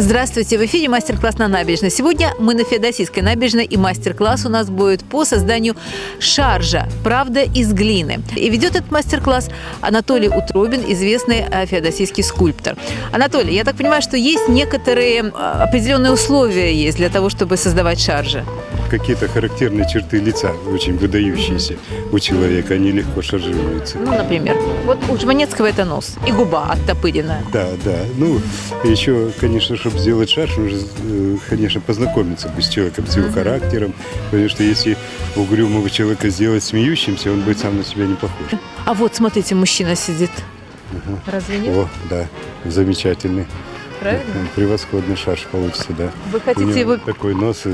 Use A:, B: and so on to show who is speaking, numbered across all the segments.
A: Здравствуйте, в эфире мастер-класс на набережной. Сегодня мы на Феодосийской набережной, и мастер-класс у нас будет по созданию шаржа «Правда из глины». И ведет этот мастер-класс Анатолий Утробин, известный феодосийский скульптор. Анатолий, я так понимаю, что есть некоторые определенные условия есть для того, чтобы создавать шаржи.
B: Какие-то характерные черты лица, очень выдающиеся у человека, они легко шаржируются.
A: Ну, например, вот у Жванецкого это нос и губа оттопыренная.
B: Да. Ну, еще, конечно, чтобы сделать шарж, нужно, конечно, познакомиться бы с человеком, с его характером, потому что если угрюмого человека сделать смеющимся, он будет сам на себя не похож.
A: А вот, смотрите, мужчина сидит. Разве нет?
B: О, да, замечательный.
A: Правильно?
B: Превосходный шарж получится, да.
A: Вы
B: У
A: хотите
B: него
A: его...
B: такой нос,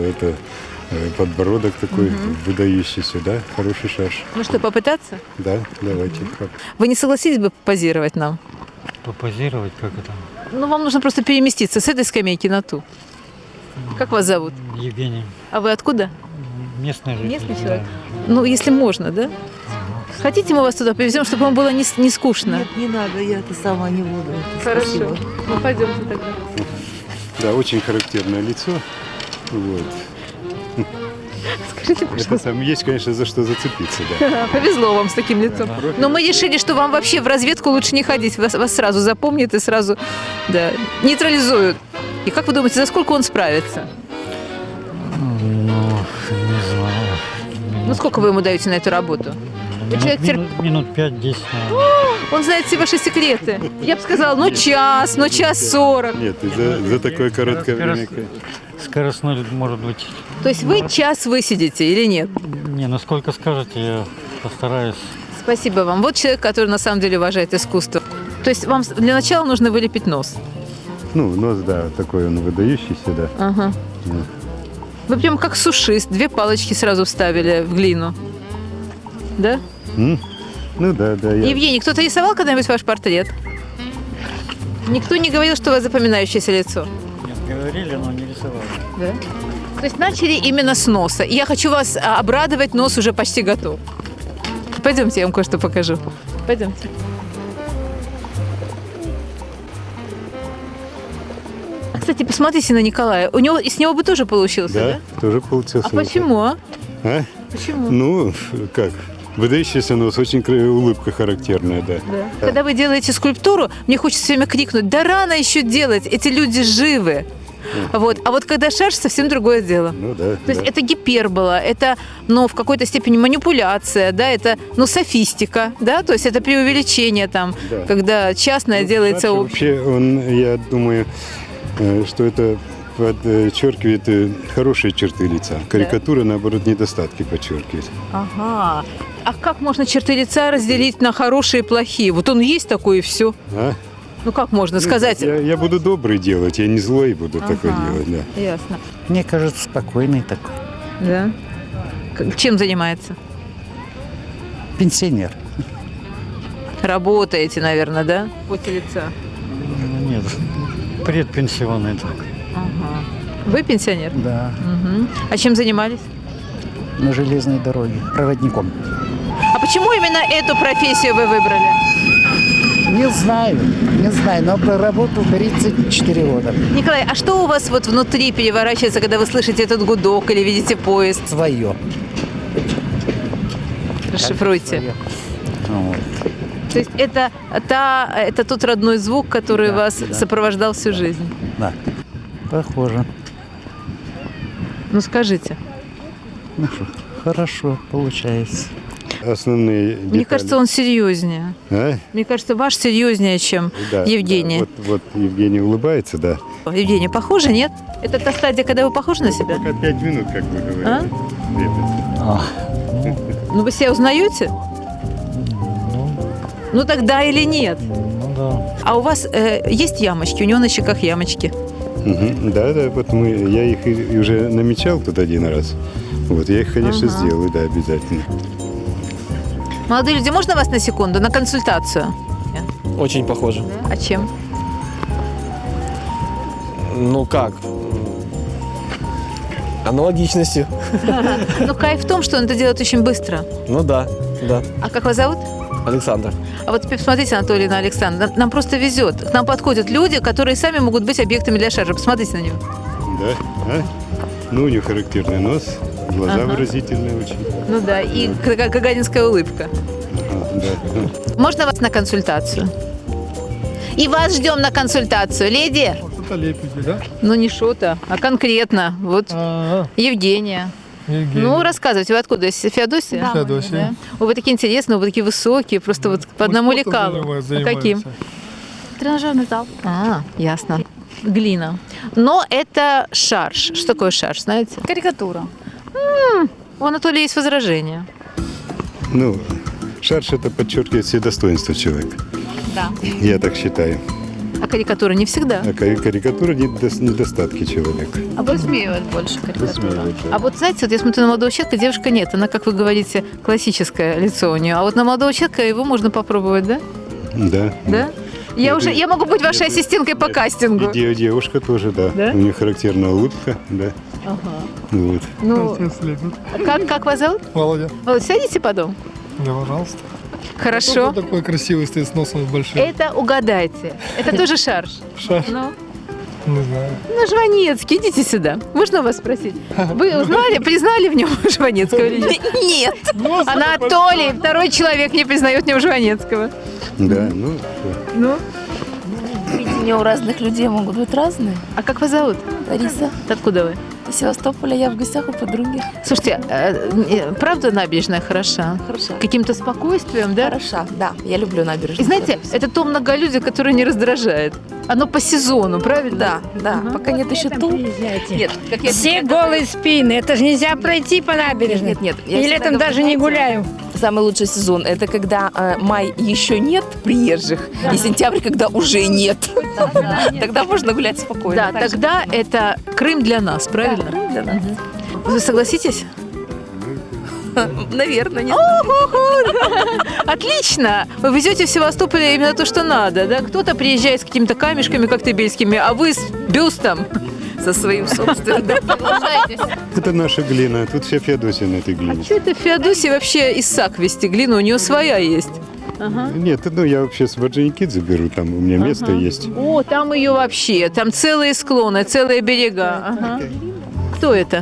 B: подбородок такой выдающийся, да, хороший шарж.
A: Ну что, попытаться?
B: Да, давайте.
A: Вы не согласились бы позировать нам?
C: Попозировать, как это?
A: Ну, вам нужно просто переместиться с этой скамейки на ту. Как вас зовут?
C: Евгений.
A: А вы откуда?
C: Местный житель.
A: Местный
C: да.
A: человек? Ну, если можно, да? Хотите, мы вас туда повезем, чтобы вам было не скучно?
D: Нет, не надо, я это сама не буду.
A: Хорошо.
D: Спасибо.
A: Ну, пойдемте тогда.
B: Да, очень характерное лицо. Вот.
A: Скажите,
B: Это
A: пожалуйста.
B: там есть, конечно, за что зацепиться, да.
A: Повезло вам с таким лицом. Но мы решили, что вам вообще в разведку лучше не ходить. Вас сразу запомнят и сразу нейтрализуют. И как вы думаете, за сколько он справится?
C: Ну, не знаю.
A: Ну, сколько вы ему даете на эту работу? Вы человек
C: Минут 5-10.
A: Он знает все ваши секреты. Я бы сказала, час 40.
B: Нет, за такое короткое время.
C: Скоростной, может быть.
A: То есть вы час высидите или нет?
C: Не, насколько скажете, я постараюсь.
A: Спасибо вам. Вот человек, который на самом деле уважает искусство. То есть вам для начала нужно вылепить нос.
B: Ну, нос, да, такой он выдающийся, да.
A: Ага.
B: Ну.
A: Вы прям как сушист. 2 палочки сразу вставили в глину. Да?
B: Ну да.
A: Евгений, кто-то рисовал когда-нибудь ваш портрет? Никто не говорил, что у вас запоминающееся лицо?
C: Нет, говорили, но не рисовали.
A: Да. То есть начали именно с носа. И я хочу вас обрадовать, нос уже почти готов. Пойдемте, я вам кое-что покажу. Пойдемте. Кстати, посмотрите на Николая. С него бы тоже получился, да?
B: Да, тоже получился.
A: А почему?
B: А?
A: Почему?
B: Ну, как? Выдающийся нос, очень улыбка характерная, да.
A: Да. Когда вы делаете скульптуру, мне хочется все время крикнуть: да рано еще делать, эти люди живы. Вот. А вот когда шарж, совсем другое дело.
B: Ну да.
A: То есть это гипербола, это, в какой-то степени манипуляция, да, это, софистика, да, то есть это преувеличение там,
B: Да.
A: когда частное делается
B: шарж
A: общее.
B: вообще, я думаю, что это подчеркивает хорошие черты лица. Карикатура, наоборот, недостатки подчеркивает.
A: Ага. А как можно черты лица разделить на хорошие и плохие? Вот он есть такой и все.
B: А?
A: Ну как можно сказать?
B: Я буду добрый делать, я не злой буду такое
A: Ага.
B: делать, да.
A: Ясно.
D: Мне кажется, спокойный такой.
A: Да. Чем занимается?
D: Пенсионер.
A: Работаете, наверное, да? В поте лица.
C: Ну, нет, предпенсионный так.
A: Ага. Вы пенсионер?
D: Да,
A: Мгм. А чем занимались?
D: на железной дороге, проводником.
A: А почему именно эту профессию вы выбрали?
D: Не знаю, но проработал 34 года.
A: Николай, а что у вас вот внутри переворачивается, когда вы слышите этот гудок или видите поезд?
D: Свое.
A: Расшифруйте.
D: Свое. Вот.
A: То есть это тот родной звук, который
D: Да,
A: вас
D: да.
A: сопровождал всю жизнь?
D: Да, похоже.
A: Ну скажите.
D: Ну что, хорошо получается.
B: Основные детали.
A: Мне кажется, он серьезнее.
B: А?
A: Мне кажется, ваш серьезнее, чем
B: Да,
A: Евгения.
B: да. Вот Евгений улыбается, да.
A: Евгения, похоже, нет? Это та стадия, когда вы похожи на себя?
B: Пока 5 минут, как вы говорите.
A: А?
B: Лепит.
A: Ну вы себя узнаете? Ну тогда или нет?
C: Ну да.
A: А у вас есть ямочки? У него на щеках ямочки.
B: Мгм. Да, вот я их и уже намечал тут один раз. Вот, я их, конечно,
A: Ага.
B: сделаю, да, обязательно.
A: Молодые люди, можно вас на секунду, на консультацию?
E: Очень похоже.
A: А чем?
E: Ну как? Аналогичностью.
A: Ну, кайф в том, что он это делает очень быстро.
E: Ну да.
A: А как вас зовут?
E: Александр.
A: А вот теперь посмотрите, Анатолий, на Александра. Нам просто везет. К нам подходят люди, которые сами могут быть объектами для шаржа. Посмотрите на него.
B: Да? А? Ну, у него характерный нос, глаза
A: Ага.
B: выразительные очень.
A: Ну да, и гагаринская улыбка.
B: Ага, да.
A: Можно вас на консультацию? И вас ждем на консультацию. Леди?
F: Что-то лепите, да?
A: Ну, не что-то, а конкретно. Вот Евгения.
F: Евгений.
A: Ну, рассказывайте, вы откуда? Из Феодосии?
F: Да, Феодосия.
A: Ой, вы такие интересные, вы такие высокие, просто вот по одному
F: спортом
A: лекалу. А каким?
G: Тренажерный зал.
A: А, ясно. Глина. Но это шарж. Что такое шарж, знаете?
G: Карикатура.
A: У Анатолия есть возражения.
B: Ну, шарж это подчеркивает все достоинства человека.
G: Да.
B: Я так считаю.
A: А карикатура не всегда.
B: А карикатура недостатки человека.
G: А высмеивают больше карикатуру.
B: Высмеивает, да.
A: А вот знаете, вот я смотрю на молодого человека, девушка нет. Она, как вы говорите, классическое лицо у нее. А вот на молодого человека его можно попробовать, да?
B: Да.
A: Да? Я могу быть вашей ассистенткой по кастингу.
B: И девушка тоже, да.
A: Да?
B: У нее характерная улыбка, да.
A: Ага.
B: Вот.
A: Ну,
F: Все слепят.
A: как вас зовут?
F: Володя,
A: Володь, сядете потом?
F: да, пожалуйста.
A: Хорошо.
F: Кто такой красивый стоит с носом большим?
A: Это угадайте. Это тоже шарж.
F: Шар,
A: Ну,
F: не знаю.
A: Жванецкий, идите сюда. Можно вас спросить? Вы узнали, признали в нем Жванецкого или нет? Нет. Анатолий, второй человек не признает в нем Жванецкого.
B: Да, ну,
A: Ну,
G: Видения у разных людей могут быть разные.
A: а как вас зовут?
G: Лариса
A: Откуда вы?
G: из Севастополя, я в гостях у подруги.
A: Слушайте, правда набережная хороша?
G: Хороша.
A: Каким-то спокойствием, да?
G: Хороша, да. Я люблю набережную.
A: И знаете, это то многолюдие, которое не раздражает. Оно по сезону, правильно?
G: Да, да. Пока нет еще тул.
A: Нет, как я
H: Все голые спины. Это же нельзя пройти по набережной.
G: Нет, нет. Я
H: И
G: всегда
H: летом
G: говорю,
H: даже не
G: знаете,
H: гуляю.
G: Самый лучший сезон – это когда май еще нет приезжих, и сентябрь, когда уже нет. Тогда можно гулять спокойно.
A: Да, тогда это Крым для нас, правильно?
G: Крым для нас.
A: Вы согласитесь?
G: Наверное, нет.
A: Отлично! Вы везете в Севастополе именно то, что надо, да? Кто-то приезжает с какими-то камешками коктебельскими, а вы с бюстом.
G: Со своим собственным.
B: это наша глина. Тут вся Феодосия на этой глине.
A: Что это в Феодосии вообще Исаак вести глину? У нее своя есть.
B: Нет, ну я вообще с Орджоникидзе беру, там у меня место есть.
A: О, там ее вообще, там целые склоны, целые берега. Ага. Кто это?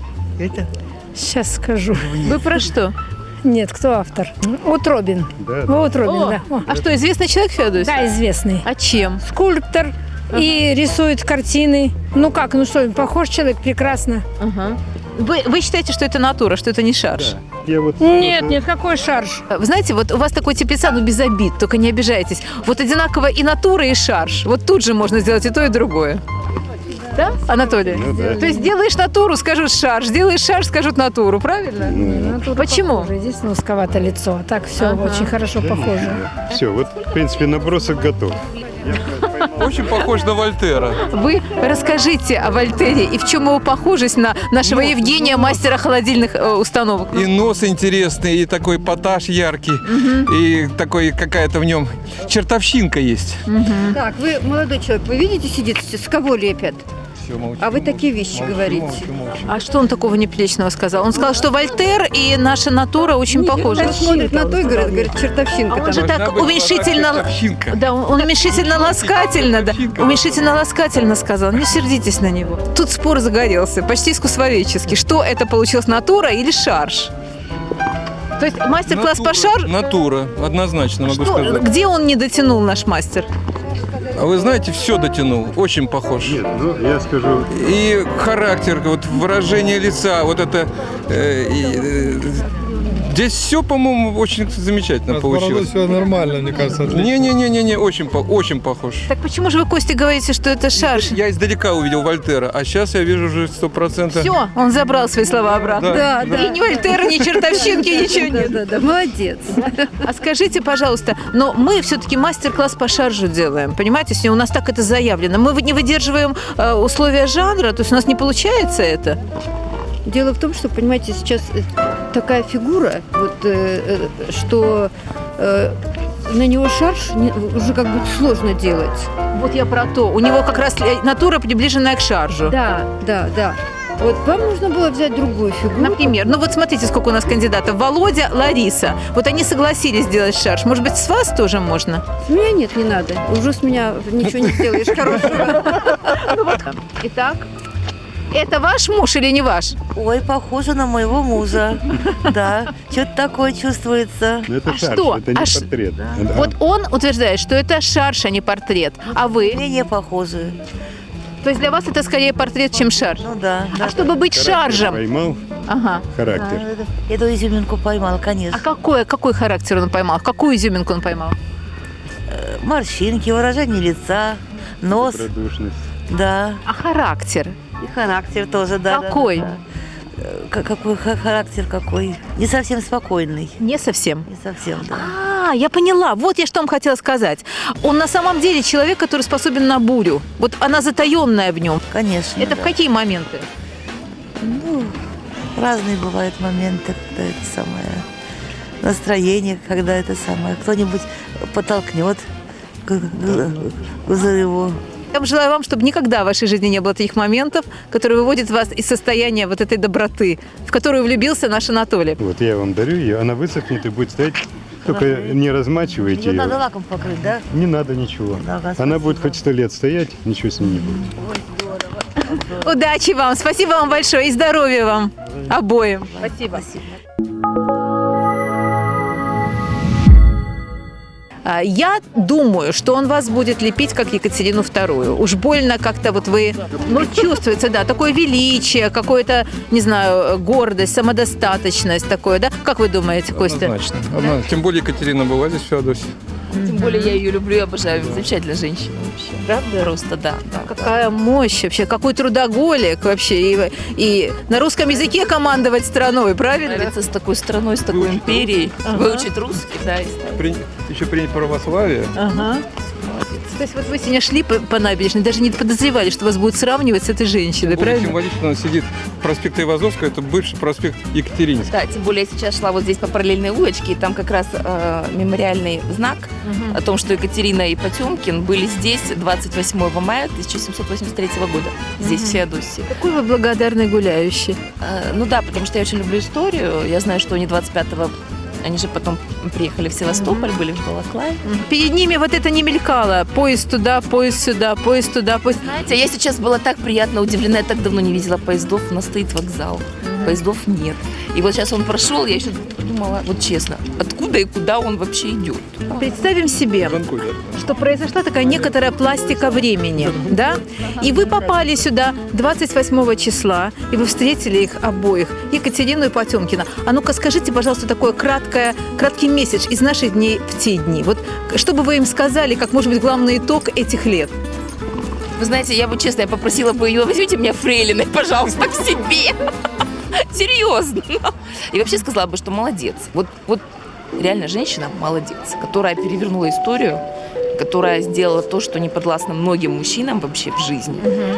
H: Сейчас скажу.
A: Вы про что?
H: Нет, кто автор? Утробин.
B: Да,
H: Утробин,
A: О,
H: да. О,
A: а что, известный человек в Феодосии?
H: да, известный.
A: А чем?
H: Скульптор. И рисует картины. Ну как, ну что, похож человек прекрасно.
A: Ага. Вы считаете, что это натура, что это не шарж?
B: Я вот
H: Нет, нет, какой шарж?
A: Вы знаете, вот у вас такой тип лица, ну без обид, только не обижайтесь. Вот одинаково и натура, и шарж. Вот тут же можно сделать и то, и другое. Да, Анатолий?
B: Ну да.
A: То есть делаешь натуру, скажут шарж, делаешь шарж, скажут натуру, правильно?
B: Ну,
A: Почему?
H: Похоже. Здесь узковато лицо, а так все
A: Ага.
H: очень хорошо похоже.
B: все, вот в принципе набросок готов.
I: Очень похож на Вольтера.
A: Вы расскажите о Вольтере и в чем его похожесть на нашего Евгения, мастера холодильных установок.
I: И нос интересный, и такой поташ яркий, и такой какая-то в нем чертовщинка есть.
J: Так, вы, молодой человек, вы видите, сидит, с кого лепят?
I: Все, молчу,
J: А вы такие вещи говорите.
I: молчу.
A: А что он такого неприличного сказал? Он сказал, что Вольтер и наша натура очень похожи.
J: Он смотрит на то и говорит, чертовщинка
A: А он
J: там.
A: же
I: Должна
A: так
I: быть
A: уменьшительно...
I: чертовщинка.
A: Да, он уменьшительно-ласкательно, да, уменьшительно-ласкательно сказал. Не сердитесь на него. Тут спор загорелся, почти искусствоведческий. Что это получилось, натура или шарж? То есть мастер-класс по шаржу?
I: Натура, однозначно могу
A: Что,
I: сказать.
A: где он не дотянул, наш мастер?
I: А вы знаете, все дотянул, очень похож.
B: Нет, ну я скажу,
I: И характер, вот выражение лица, вот это... здесь все, по-моему, очень замечательно
F: С бородой
I: получилось.
F: все нормально, мне кажется, отлично.
I: Не-не-не, очень похож.
A: Так почему же вы, Костя, говорите, что это шарж?
I: Я издалека увидел Вольтера, а сейчас я вижу уже 100%.
A: Все, он забрал свои слова обратно.
J: Да, да.
A: И ни Вольтера, ни чертовщинки, ничего нет.
J: Да, молодец.
A: А скажите, пожалуйста, но мы все-таки мастер-класс по шаржу делаем, понимаете? Если у нас так это заявлено. Мы не выдерживаем условия жанра, то есть у нас не получается это.
J: Дело в том, что, понимаете, сейчас такая фигура, вот, что на него шарж уже как бы сложно делать.
A: Вот я про то. У него как раз натура приближенная к шаржу.
J: Да, да, да. Вот вам нужно было взять другую фигуру.
A: Например, ну вот смотрите, сколько у нас кандидатов. Володя, Лариса. Вот они согласились сделать шарж. Может быть, с вас тоже можно?
J: С меня нет, не надо. Уже с меня ничего не сделаешь хорошего.
A: Итак, это ваш муж или не ваш?
K: Ой, похоже на моего мужа. Да, что-то такое чувствуется.
B: Но это
A: А
B: шарж,
A: что?
B: это не
A: А ш-
B: портрет.
A: Вот он утверждает, что это шарж, а не портрет. А вы?
K: Мне не похоже.
A: То есть для вас это скорее портрет, чем шарж?
K: Ну да.
A: А чтобы быть
B: Характер
A: шаржем?
B: Поймал
A: Ага.
B: характер.
K: Эту изюминку поймал,
A: А
K: конечно.
A: какой характер он поймал? Какую изюминку он поймал?
K: Морщинки, выражение лица, нос,
B: Добродушность.
K: да.
A: А характер?
K: И характер тоже, да.
A: Какой?
K: Да, да. Какой характер какой? Не совсем спокойный.
A: Не совсем.
K: Не совсем, да.
A: А, я поняла. Вот я что вам хотела сказать. Он на самом деле человек, который способен на бурю. Вот она затаенная в нем.
K: Конечно.
A: Это в
K: да.
A: какие моменты?
K: Ну, разные бывают моменты, когда это самое настроение, когда это самое кто-нибудь подтолкнет к взрыву.
A: Я желаю вам, чтобы никогда в вашей жизни не было таких моментов, которые выводят вас из состояния вот этой доброты, в которую влюбился наш Анатолий.
B: Вот я вам дарю ее, она высохнет и будет стоять. Только не размачивайте
K: Ее
B: ее.
K: надо лаком покрыть, да?
B: Не надо ничего.
K: Да,
B: Она
K: спасибо.
B: будет хоть 100 лет стоять, ничего с ней не будет.
A: Удачи вам, спасибо вам большое и здоровья вам обоим.
K: Спасибо.
A: Я думаю, что он вас будет лепить, как Екатерину II. Уж больно как-то вот вы... Ну, чувствуется, да, такое величие, какое-то, не знаю, гордость, самодостаточность такое, да? Как вы думаете, Костя?
I: Однозначно. Тем более Екатерина была здесь в Феодосии.
G: Тем более я ее люблю и обожаю. Замечательная женщина вообще.
A: Правда?
G: Просто, да.
A: Какая мощь вообще, какой трудоголик вообще. И на русском языке командовать страной, правильно?
G: Нравится с такой страной, с такой империей. Выучить русский, да, и стать.
I: Еще принять православие.
A: Ага. То есть вот вы сегодня шли по набережной, даже не подозревали, что вас будут сравнивать с этой женщиной,
I: Более
A: правильно?
I: символично он сидит проспект Айвазовского, это бывший проспект Екатерининский.
G: Да, тем более я сейчас шла вот здесь по параллельной улочке, и там как раз мемориальный знак о том, что Екатерина и Потемкин были здесь 28 мая 1783 года, здесь, в Феодосии.
A: Какой вы благодарный гуляющий.
G: Ну да, потому что я очень люблю историю. Я знаю, что они 25-го, они же потом приехали в Севастополь, были в Балаклаве.
A: Перед ними вот это не мелькало. Поезд туда, поезд сюда, поезд туда, поезд...
G: Знаете, я сейчас была так приятно удивлена, я так давно не видела поездов, у нас стоит вокзал, поездов нет. И вот сейчас он прошел, я еще подумала, вот честно, откуда и куда он вообще идет?
A: Представим себе, что произошла такая некоторая пластика времени, да? И вы попали сюда 28 числа, и вы встретили их обоих, Екатерину и Потемкина. А ну-ка скажите, пожалуйста, такой краткий месседж из наших дней в те дни. Вот что бы вы им сказали, как, может быть, главный итог этих лет?
G: Вы знаете, я бы, честно, я попросила бы ее, возьмите меня фрейлиной, пожалуйста, к себе. Серьезно. И вообще сказала бы, что молодец. Вот реально женщина молодец, которая перевернула историю, которая сделала то, что не подвластно многим мужчинам вообще в жизни.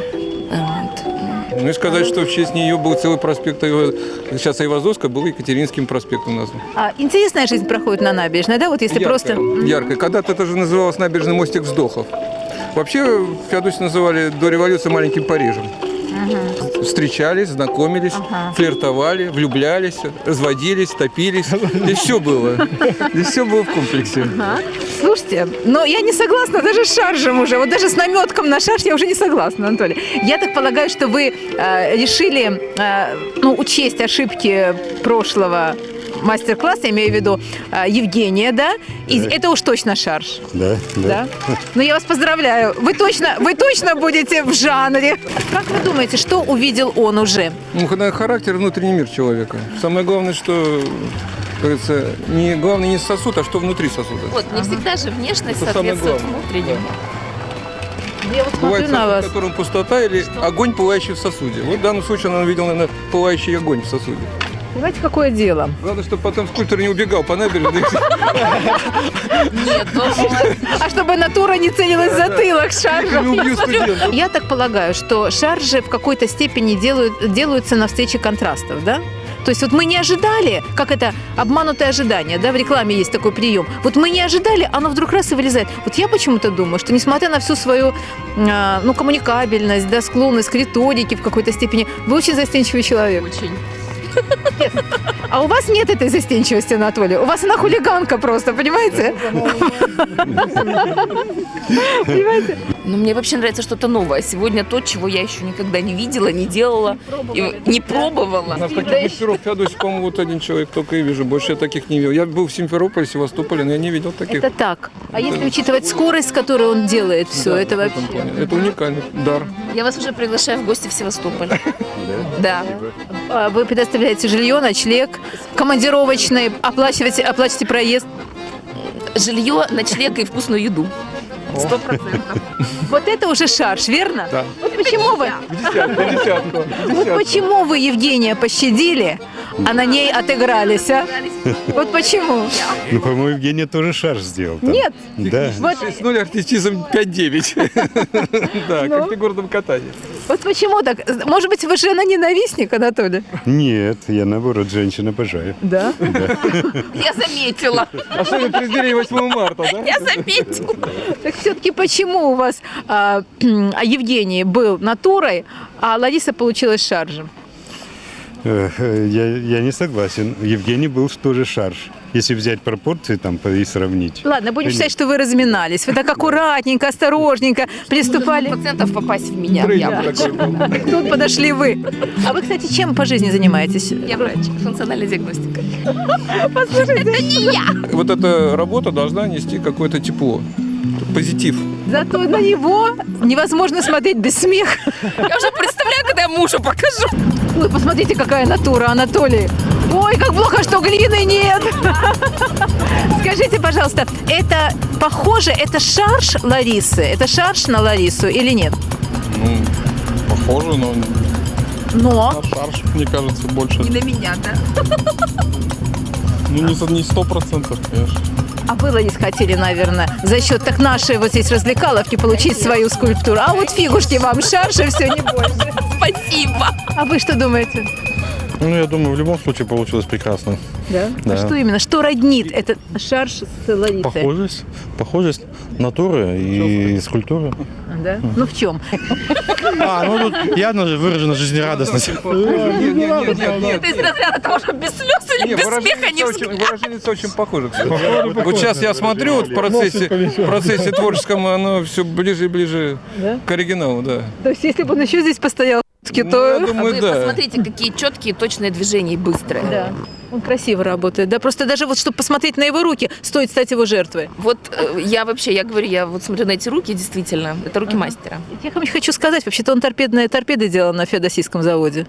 G: Вот.
I: Ну и сказать, что в честь нее был целый проспект, сейчас Айвазовская, был Екатеринским проспектом назван.
A: Интересная жизнь проходит на набережной, да? Вот если просто...
I: Яркая. Когда-то это же называлось набережный мостик вздохов. Вообще в Феодосии называли до революции маленьким Парижем. Встречались, знакомились, флиртовали, влюблялись, разводились, топились. И все было. И все было в комплексе.
A: Слушайте, но я не согласна даже с шаржем уже. Вот даже с наметком на шарж я уже не согласна, Анатолий. Я так полагаю, что вы решили учесть ошибки прошлого мастер-класса, я имею в виду Евгения, да? И это уж точно шарж.
B: Да.
A: Ну, я вас поздравляю. Вы точно будете в жанре. Как вы думаете, что увидел он уже?
I: Ну, характер, внутренний мир человека. Самое главное, что, как говорится, главное не сосуд, а что внутри сосуда.
G: Вот, не всегда же внешность
I: Это самое
G: соответствует
I: главное.
G: внутреннему.
A: Я вот
I: Бывает
A: смотрю на
I: сосуд,
A: вас.
I: в котором пустота или огонь, пылающий в сосуде. Вот в данном случае он увидел, наверное, пылающий огонь в сосуде.
A: Понимаете, какое дело?
I: Главное, чтобы потом скульптор не убегал по набережной.
G: Нет,
A: А чтобы натура не целилась в затылок шаржем.
I: Не убью студентов.
A: Я так полагаю, что шаржи в какой-то степени делаются на встрече контрастов, да? То есть вот мы не ожидали, как это обманутое ожидание, да, в рекламе есть такой прием. Вот мы не ожидали, оно вдруг раз и вылезает. Вот я почему-то думаю, что несмотря на всю свою, коммуникабельность, да, склонность к риторике в какой-то степени, вы очень застенчивый человек.
G: Очень.
A: А у вас нет этой застенчивости, Анатолий. У вас она хулиганка просто, понимаете? Понимаете?
G: Но мне вообще нравится что-то новое. Сегодня то, чего я еще никогда не видела, не делала, и не пробовала.
I: У нас таких мастеров в Феодосии, по-моему, вот один человек только и вижу. Больше я таких не видел. Я был в Симферополе, Севастополе, но я не видел таких.
A: Это так. А если учитывать скорость, с которой он делает все, это
I: в этом
A: вообще...
I: плане. Это уникальный дар.
G: Я вас уже приглашаю в гости в Севастополь. Да.
A: Вы предоставляете жилье, ночлег, командировочные, оплачиваете проезд.
G: Жилье, ночлег и вкусную еду. 100%.
A: Вот это уже шарж, верно?
I: Да.
A: Вот почему вы...
I: Десятку.
A: Вот почему вы Евгения пощадили, а на ней отыгрались, а? Вот почему?
B: Ну, по-моему, Евгения тоже шарж сделал. Там.
A: Нет.
B: Да.
A: Вот,
I: 6-0, артистизм 5-9. Да, как в фигурном катании.
A: вот почему так? Может быть, вы жена-ненавистник, Анатолий?
B: Нет, я, наоборот, женщин обожаю.
A: Да?
G: Я заметила.
I: Особенно при преддверии 8 марта, да?
G: Я заметила.
A: Так все-таки почему у вас Евгений был натурой, а Лариса получилась шаржем?
B: Я не согласен. Евгений был тоже шарж. Если взять пропорции там и сравнить.
A: Ладно, будем считать, что вы разминались. Вы так аккуратненько, осторожненько приступали.
G: Процентов попасть в меня.
I: Тренинг
G: Я
I: такой был.
A: Тут подошли вы. А вы, кстати, чем по жизни занимаетесь?
G: Я врач, функциональная диагностика.
A: Послушайте,
I: Вот эта работа должна нести какое-то тепло, позитив.
A: зато на него невозможно смотреть без смеха.
G: Я уже представляю, когда я мужу покажу.
A: Ой, посмотрите, какая натура, Анатолий. Ой, как плохо, что глины нет. Скажите, пожалуйста, это похоже, это шарж Ларисы? Это шарж на Ларису или нет?
F: Ну, похоже, но
A: Но
F: на шарж, мне кажется, больше.
G: Не на меня, да?
F: Ну, не 100%, конечно.
A: а вы, Ларис, хотели, наверное, за счет так нашей вот здесь развлекаловки получить свою скульптуру. А вот фигушки вам, шаржи, все, не больше.
G: Спасибо.
A: А вы что думаете?
F: Ну, я думаю, в любом случае получилось прекрасно.
A: Да?
F: Да.
A: А что именно? Что роднит этот шарж с Ларисой?
F: Похожесть натуры и скульптуры.
A: Да? Ну в чем?
F: Ну тут явно же выражена жизнерадостность.
I: Нет.
G: Ты из разряда того, что без слез или без смеха не
I: Выраженница очень похожа. Вот сейчас я смотрю вот в процессе творческом, оно все ближе и ближе к оригиналу, да.
A: То есть если бы он еще здесь постоял,
I: Ну, я
A: то...
I: думаю,
G: Вы
I: да.
G: посмотрите, какие четкие, точные движения и быстрые.
A: Да, он красиво работает. Да, просто даже вот, чтобы посмотреть на его руки, стоит стать его жертвой.
G: Вот я говорю, я вот смотрю на эти руки, действительно, это руки мастера.
A: Я хочу сказать, вообще-то он торпеды делал на феодосийском заводе.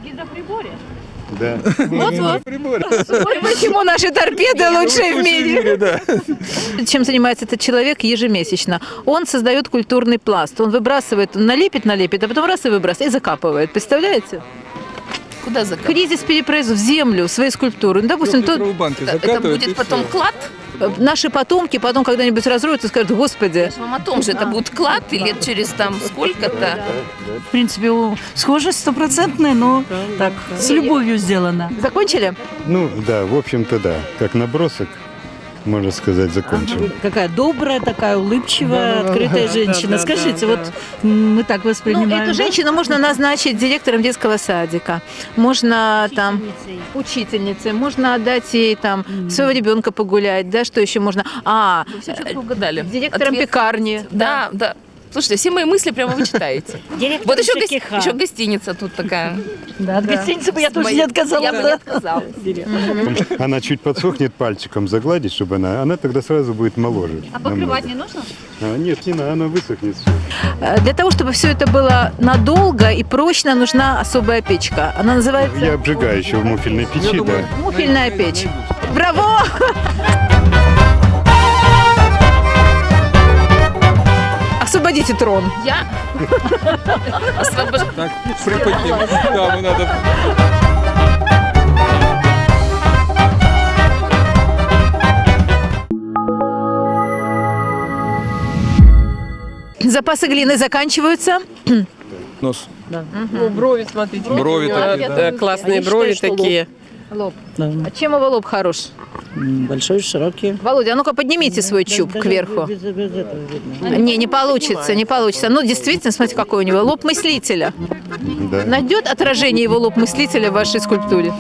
B: Да.
A: Вот-вот. Почему наши торпеды лучшие в мире?
I: Да.
A: Чем занимается этот человек ежемесячно? Он создает культурный пласт. Он выбрасывает, налепит, а потом раз и выбрасывает, и закапывает. Представляете?
G: Куда закапывать?
A: Кризис перепроизводства в землю, свои скульптуры. Ну, допустим,
I: Трехлитровые банки
G: Это
I: закатывают, и
G: будет потом
I: всё.
G: клад?
A: наши потомки потом когда-нибудь разроются и скажут: Господи.
G: Вам о том же, это будет клад и лет через там сколько-то.
L: В принципе, схожесть стопроцентная, но так, с любовью сделана.
A: Закончили?
B: Ну, да, в общем-то, да. Как набросок, можно сказать, закончил.
L: Какая добрая, такая улыбчивая, открытая женщина. Скажите, вот мы так воспринимаем.
A: Ну, эту женщину можно назначить директором детского садика, можно там учительницей, можно отдать ей там своего ребенка погулять, да, что еще можно?
G: Вы все четко угадали.
A: Директором пекарни.
G: Да, да. Слушайте, все мои мысли прямо вы читаете. Вот еще гостиница тут такая.
L: Да, от гостиницы бы я тоже не отказалась.
G: Я бы не отказалась.
B: Она чуть подсохнет, пальчиком загладить, чтобы она тогда сразу будет моложе.
J: А покрывать не нужно?
B: Нет, не надо, она высохнет.
A: Для того, чтобы все это было надолго и прочно, нужна особая печка. Она называется
B: Я обжигаю еще в муфельной печи, да.
A: муфельная печь. Браво! Освободите трон.
G: Я освобождаю.
I: Так, приподним. Да, надо.
A: Запасы глины заканчиваются.
I: Нос.
M: Ну, брови, смотрите.
I: Брови такие, да.
M: Классные брови такие.
A: Лоб.
L: Да.
A: А чем его лоб хорош?
L: Большой, широкий.
A: Володя, а ну-ка поднимите свой чуб кверху.
L: Без этого видно.
A: Не получится, не получится. Ну, действительно, смотрите, какой у него лоб мыслителя.
B: Да.
A: Найдет отражение его лоб мыслителя в вашей скульптуре?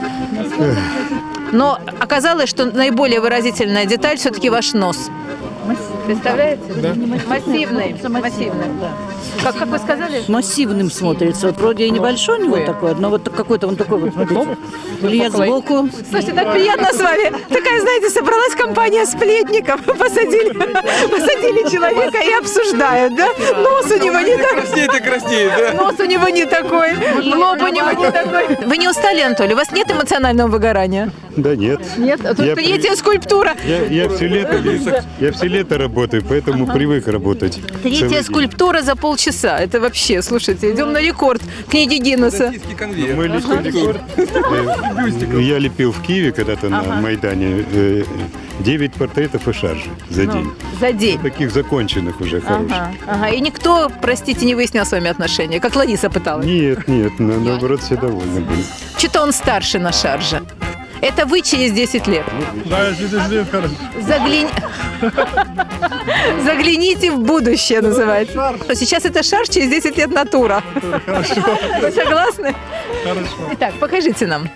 A: Но оказалось, что наиболее выразительная деталь все-таки ваш нос. Представляете? Да. Массивный. Массивный. Как вы сказали?
L: Массивным смотрится. Вот вроде и небольшой у него такой, но вот какой-то он такой вот, смотрите. Или я сбоку.
A: Слушайте, так приятно с вами. Такая, знаете, собралась компания сплетников. Посадили человека и обсуждают, да? Нос у него не такой.
I: Краснеет, да?
A: Нос у него не такой. Лоб у него не такой. Вы не устали, Анатолий? У вас нет эмоционального выгорания?
B: Да нет.
A: Нет? А тут
B: Я
A: третья скульптура.
B: Я все лето работаю, поэтому привык работать.
A: Третья
B: целый день.
A: скульптура за полчаса. Это вообще, слушайте, идем на рекорд книги Гиннесса.
B: Мы лепим рекорд. Я лепил в Киеве когда-то на Майдане 9 портретов и шаржи за день.
A: За день.
B: Таких законченных уже хороших.
A: Ага. И никто, простите, не выяснял с вами отношения, как Лариса пыталась.
B: Нет, наоборот, все довольны были.
A: Что-то он старше на шарже. Это вы через 10 лет.
F: Да, через лет хорошо.
A: Загляните в будущее, называется. Сейчас это шар, через 10 лет натура.
F: Хорошо.
A: Вы согласны?
F: Хорошо.
A: Итак, покажите нам.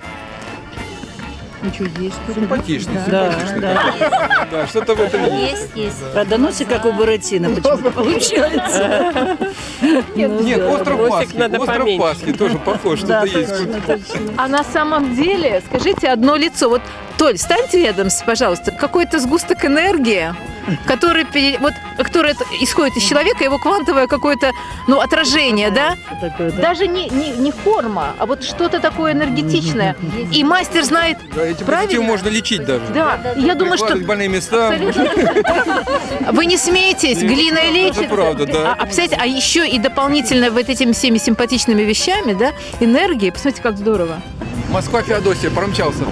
I: Симпатичный,
L: Да, да.
I: Да, что-то в этом есть.
L: Правда, носик как у Буратино почему-то получается.
I: Нет, остров Пасхи тоже похож, что-то есть.
A: А на самом деле, скажите одно лицо. Вот, Толь, встаньте рядом, пожалуйста. Какой-то сгусток энергии, который исходит из человека, его квантовое какое-то, отражение, да? Даже не форма, а вот что-то такое энергетичное. И мастер знает,
I: Да, этим
A: правильно?
I: можно лечить даже.
A: Да, я думаю, что...
I: Прикладывать больные места.
A: Вы не смейтесь, глиной лечится.
I: Это правда, да.
A: А еще и дополнительно вот этими всеми симпатичными вещами, да, энергией. Посмотрите, как здорово.
I: Москва, Феодосия, промчался.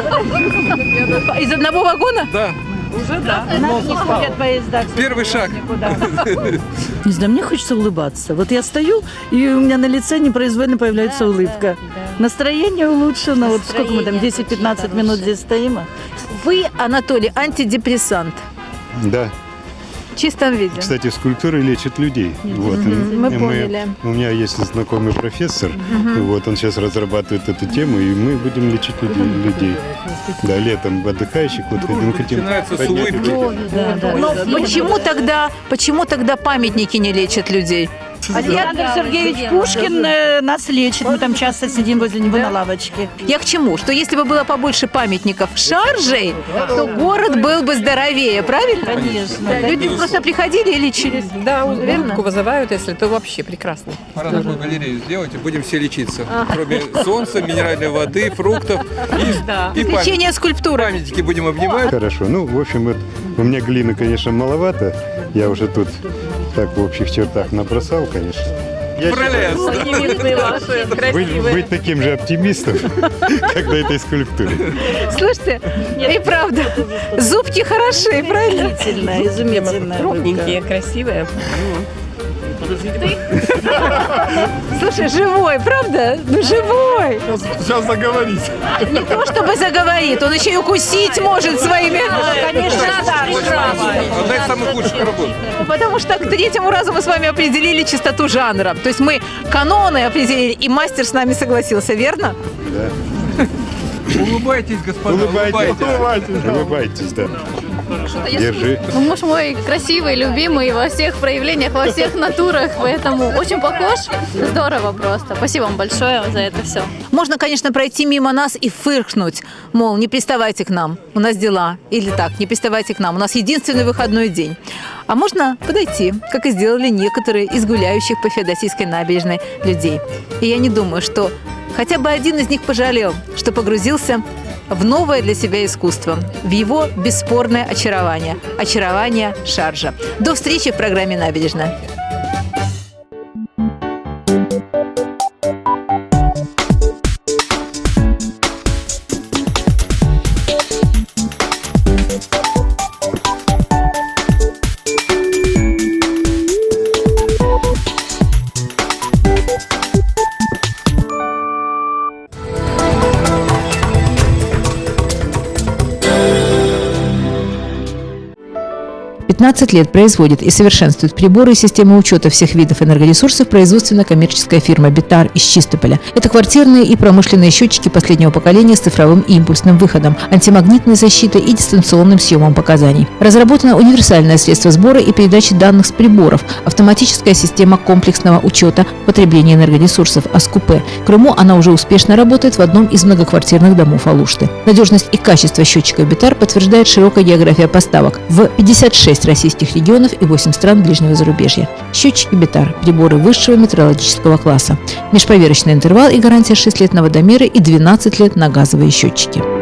A: Из одного вагона?
I: Да.
A: Уже да.
L: Не ходят поезда.
I: Первый шаг.
L: Не знаю, мне хочется улыбаться. Вот я стою, и у меня на лице непроизвольно появляется улыбка. Настроение улучшено. Вот сколько мы там, 10-15 минут здесь стоим?
A: Вы, Анатолий, антидепрессант.
B: Да.
A: В чистом виде.
B: Кстати, скульптуры лечат людей. Вот.
A: Мы
B: И
A: поняли.
B: у меня есть знакомый профессор, вот он сейчас разрабатывает эту тему, и мы будем лечить людей. Да, летом отдыхающих вот хотим
I: Начинается с
B: поднять
I: улыбки.
B: людей.
A: Но почему тогда памятники не лечат людей?
L: Александр Сергеевич Пушкин нас лечит. Мы там часто сидим возле него на лавочке.
A: Я к чему? Что если бы было побольше памятников шаржей, то город был бы здоровее, правильно?
L: Конечно.
A: Да, люди просто приходили и лечились.
M: Да, улыбку вызывают, если то вообще прекрасно.
I: Пора такую галерею сделать, и будем все лечиться. Кроме солнца, минеральной воды, фруктов и
A: Лечение скульптуры.
I: памятники будем обнимать.
B: Хорошо. В общем, вот у меня глины, конечно, маловато. Я уже тут так в общих чертах набросал, конечно. Я
I: Пролез.
B: быть таким же оптимистом, как на этой скульптуре.
A: Слушайте, и правда, зубки хороши, правильно?
L: Изумительно, изумительно.
M: Крупненькие, красивые.
A: Слушай, живой, правда? Живой.
F: Сейчас заговорить.
A: Не то чтобы заговорит, он еще и укусить может своими. Конечно,
I: Одна из самых лучших работ.
A: Потому что к третьему разу мы с вами определили чистоту жанра. То есть мы каноны определили, и мастер с нами согласился, верно?
B: Да.
I: Улыбайтесь, господа,
B: Улыбайтесь, да. Держи.
N: Муж мой красивый, любимый во всех проявлениях, во всех натурах, поэтому очень похож. Здорово просто. Спасибо вам большое за это все.
A: Можно, конечно, пройти мимо нас и фыркнуть, мол, не приставайте к нам, у нас дела. Или так, не приставайте к нам, у нас единственный выходной день. А можно подойти, как и сделали некоторые из гуляющих по Феодосийской набережной людей. И я не думаю, что хотя бы один из них пожалел, что погрузился в новое для себя искусство, в его бесспорное очарование. Очарование шаржа. До встречи в программе «Набережная». 15 лет производит и совершенствует приборы и системы учета всех видов энергоресурсов производственно-коммерческая фирма «Битар» из Чистополя. Это квартирные и промышленные счетчики последнего поколения с цифровым и импульсным выходом, антимагнитной защитой и дистанционным съемом показаний. Разработано универсальное средство сбора и передачи данных с приборов, автоматическая система комплексного учета потребления энергоресурсов АСКУП. В Крыму она уже успешно работает в одном из многоквартирных домов Алушты. Надежность и качество счетчиков «Битар» подтверждает широкая география поставок в 56 российских регионов и 8 стран ближнего зарубежья. Счетчики «Битар» – приборы высшего метрологического класса. Межповерочный интервал и гарантия 6 лет на водомеры и 12 лет на газовые счетчики.